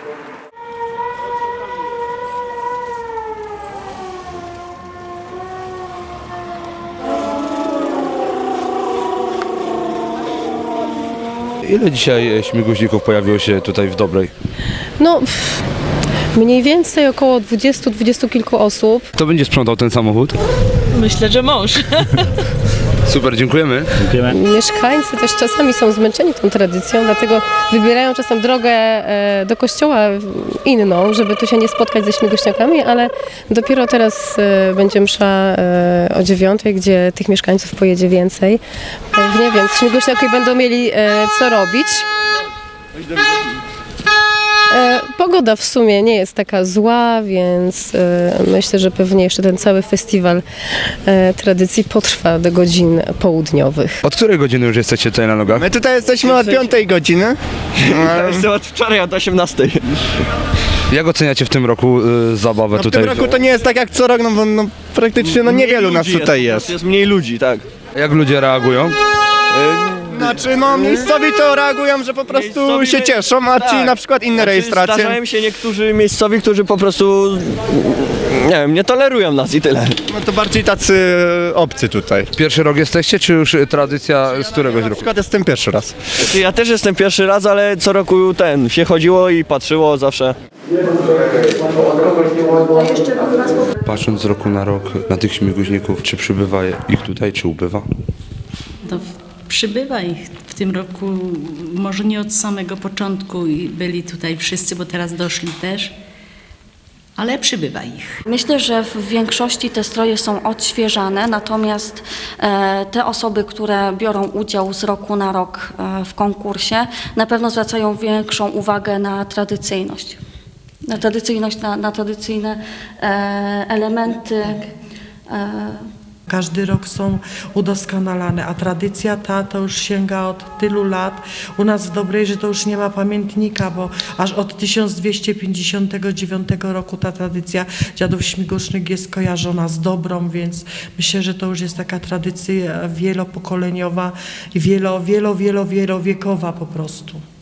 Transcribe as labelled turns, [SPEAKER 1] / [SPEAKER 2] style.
[SPEAKER 1] Ile dzisiaj śmiguźników pojawiło się tutaj w Dobrej?
[SPEAKER 2] No, mniej więcej około 20 kilku osób.
[SPEAKER 1] Kto będzie sprzątał ten samochód?
[SPEAKER 3] Myślę, że mąż.
[SPEAKER 1] Super, dziękujemy.
[SPEAKER 2] Mieszkańcy też czasami są zmęczeni tą tradycją, dlatego wybierają czasem drogę do kościoła inną, żeby tu się nie spotkać ze śmiguśniakami, ale dopiero teraz będzie msza o 9:00, gdzie tych mieszkańców pojedzie więcej. Pewnie, więc śmiguśniaki będą mieli co robić. Pogoda w sumie nie jest taka zła, więc myślę, że pewnie jeszcze ten cały festiwal tradycji potrwa do godzin południowych.
[SPEAKER 1] Od której godziny już jesteście tutaj na nogach?
[SPEAKER 4] My tutaj jesteśmy od 5 godziny.
[SPEAKER 5] Jestem od wczoraj od 18.
[SPEAKER 1] Jak oceniacie w tym roku zabawę
[SPEAKER 4] W
[SPEAKER 1] tutaj?
[SPEAKER 4] tym roku to nie jest tak jak co rok, no bo praktycznie niewielu nas tutaj jest.
[SPEAKER 5] Jest mniej ludzi, tak.
[SPEAKER 1] Jak ludzie reagują?
[SPEAKER 4] Znaczy miejscowi to reagują, że po prostu
[SPEAKER 5] Miejscowi
[SPEAKER 4] się cieszą, a ci
[SPEAKER 5] tak.
[SPEAKER 4] na przykład inne
[SPEAKER 5] Znaczy,
[SPEAKER 4] rejestracje.
[SPEAKER 5] Zdarzają się niektórzy miejscowi, którzy po prostu, nie wiem, nie tolerują nas i tyle.
[SPEAKER 4] No to bardziej tacy obcy tutaj.
[SPEAKER 1] Pierwszy rok jesteście, czy już tradycja z któregoś
[SPEAKER 4] Na
[SPEAKER 1] roku?
[SPEAKER 4] przykład jestem pierwszy raz.
[SPEAKER 5] Znaczy, ja też jestem pierwszy raz, ale co roku się chodziło i patrzyło zawsze.
[SPEAKER 1] Patrząc z roku na rok na tych śmiguźników, czy przybywa ich tutaj, czy ubywa?
[SPEAKER 3] No, przybywa ich w tym roku, może nie od samego początku i byli tutaj wszyscy, bo teraz doszli też, ale przybywa ich.
[SPEAKER 6] Myślę, że w większości te stroje są odświeżane, natomiast te osoby, które biorą udział z roku na rok w konkursie, na pewno zwracają większą uwagę na tradycyjność. Na tradycyjne elementy.
[SPEAKER 7] Każdy rok są udoskonalane, a tradycja ta to już sięga od tylu lat. U nas w Dobrej, że to już nie ma pamiętnika, bo aż od 1259 roku ta tradycja dziadów śmigusznych jest kojarzona z Dobrą, więc myślę, że to już jest taka tradycja wielopokoleniowa i wielowiekowa po prostu.